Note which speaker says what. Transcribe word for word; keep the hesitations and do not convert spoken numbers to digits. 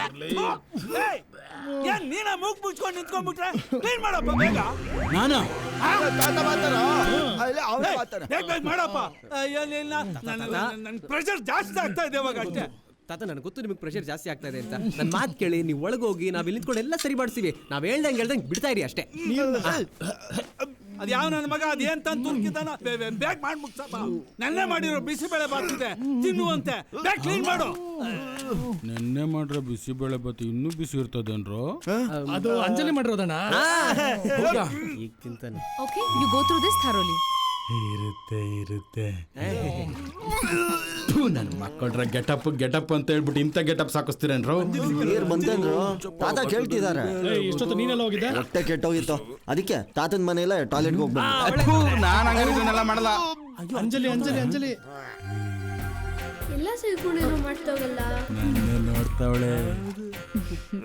Speaker 1: ಏನ್ ನೀನ ಮೂಗ್ ಮುಚ್ಕೊಂಡು ನಿಂತ್ಕೊಂಡ್ಬಿಟ್ರೆ ಕ್ಲೀನ್ ಮಾಡಪ್ಪ ಬೇಗ.
Speaker 2: ನಾನಾ
Speaker 1: ಬೇಗ ಬೇಗ ಮಾಡಪ್ಪ. ನನ್ ಪ್ರೆಷರ್ ಜಾಸ್ತಿ ಆಗ್ತಾ ಇದೆ ಇವಾಗ ಅಷ್ಟೇ.
Speaker 3: ತಾತ ನನಗೆ ಗೊತ್ತು ನಿಮಗೆ ಪ್ರೆಷರ್ ಜಾಸ್ತಿ ಆಗ್ತಾ ಇದೆ ಅಂತ. ನನ್ನ ಮಾತು ಕೇಳಿ ನೀವು ಒಳಗೋಗಿ ನಾವು ಇಲ್ಲಿ ನಿಂತ್ಕೊಂಡು ಎಲ್ಲ ಸರಿ ಮಾಡ್ತೀವಿ. ನಾವು ಹೇಳ್ದಂಗೆ ಹೇಳ್ದಂಗೆ ಬಿಡ್ತಾ ಇರಿ ಅಷ್ಟೇ.
Speaker 1: ಅದ್ ಯಾವ ನನ್ನ ಮಗ ಅದೇನ್ ತಂದು ತುರ್ಕಿದಾನ ಬೇಗ ಮಾಡಿ ಮುಗ್ಸಪ್ಪ. ನೆನ್ನೆ ಮಾಡಿರೋ ಬಿಸಿಬೇಳೆ ಬಾತಿದೆ ತಿನ್ನುವಂತೆ ಬೇಗ ಕ್ಲೀನ್ ಮಾಡು.
Speaker 2: ನೆನ್ನೆ ಮಾಡ್ರೆ ಬಿಸಿಬೇಳೆ ಬಾತ್ ಇನ್ನೂ ಬಿಸಿ ಇರ್ತದೇನ್ರೋ?
Speaker 4: ಅದು ಅಂಜಲಿ ಮಾಡಿರೋದಣ್ಣ.
Speaker 3: ಈಗ ತಿಂತಾನೆ.
Speaker 5: Okay you go through this thoroughly.
Speaker 2: ಇರುತ್ತೆ ಇರುತ್ತೆ. ನನ್ ಮಕ್ಕಳ್ರ ಗೆಟಪ್ ಗೆಟಪ್ ಅಂತ ಹೇಳ್ಬಿಟ್ಟು ಇಂಥ ಗೆಟಪ್ ಸಾಕಿಸ್ತೀರೇನ್ರೋ?
Speaker 6: ನೀರ್ ಬಂತೇನ್ರು? ತಾತ ಕೇಳ್ತಿದಾರೆ.
Speaker 4: ಇಷ್ಟೊತ್ತು ನೀನೆಲ್ಲ ಹೋಗಿದ್ದೆ?
Speaker 6: ಹೊಟ್ಟೆ ಕೆಟ್ಟೋಗಿತ್ತು, ಅದಕ್ಕೆ ತಾತನ ಮನೆಯಲ್ಲ ಟಾಯ್ಲೆಟ್ಗೆ ಹೋಗ್ಬಂದು.
Speaker 2: ನಾನು ಹಂಗಾರಿದನ್ನೆಲ್ಲ ಮಾಡಲ್ಲ.
Speaker 4: ಅಂಜಲಿ ಅಂಜಲಿ ಅಂಜಲಿ
Speaker 7: ಎಲ್ಲ ಸೇರ್ಕೊಂಡು ಮಾಡ್ತಾವಲ್ಲ.
Speaker 2: ನನ್ನ ನೋಡ್ತಾವಳೆ.